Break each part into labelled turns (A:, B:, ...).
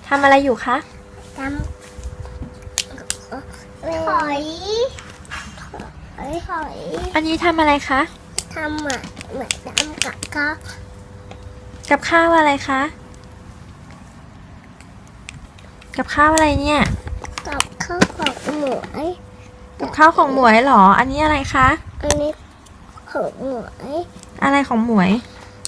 A: ทำอะไรอยู่คะ
B: ทำหอย
A: อันนี้ทำอะไรคะ
B: ทำเหมือนทำกับข้าว
A: กับข้าวอะไรคะกับข้าวอะไรเนี่ย
B: กับข้าวของหมวย
A: กับข้าวของหมวยเหรออันนี้อะไรคะ
B: อันนี้ของหมวย
A: อะไรของหมวย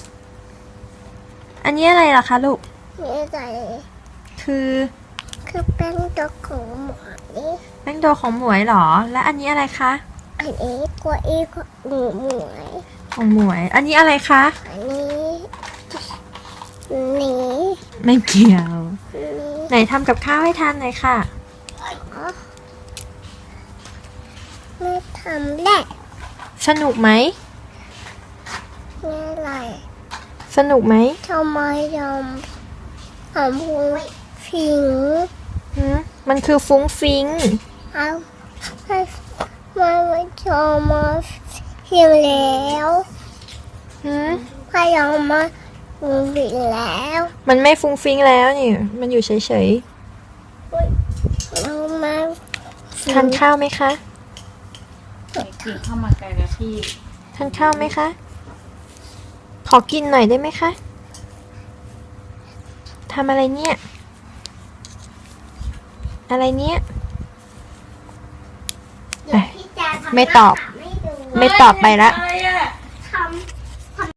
A: อันนี้อะไรล่ะคะลูก
B: นี่อะไร
A: คือ
B: แป้งตัวของหมวย
A: แป้งโดของหมวยเหรอและอันนี้อะไรคะ
B: อันนี้กล้วยของหมวย
A: ของหมวยอันนี้อะไรคะ
B: อันนี้
A: ไม่เกี่ยวไหนทำกับข้าวให้ทานหน่อยค่ะ
B: ไม่ทำแหละ
A: สนุกไหม
B: นี่อะไร
A: สนุกไหม
B: ทำไมยอมหอมพุงฟิง
A: มันคือฟุ้งฟิ้ง
B: เอาไม่ชอบมาฟิงแล้วพยายามมาฟุ้งฟิงแล้ว
A: มันไม่ฟุ้งฟิ้งแล้วนี่มันอยู่เฉย
B: เรามา
A: ๆทานข้าวไหมคะ
C: กินข้าวมาไก่กะทิ
A: ทานข้าวไหมคะขอกินหน่อยได้ไหมคะทำอะไรเนี่ยอะไรเนี่ยไม่ตอบไปละ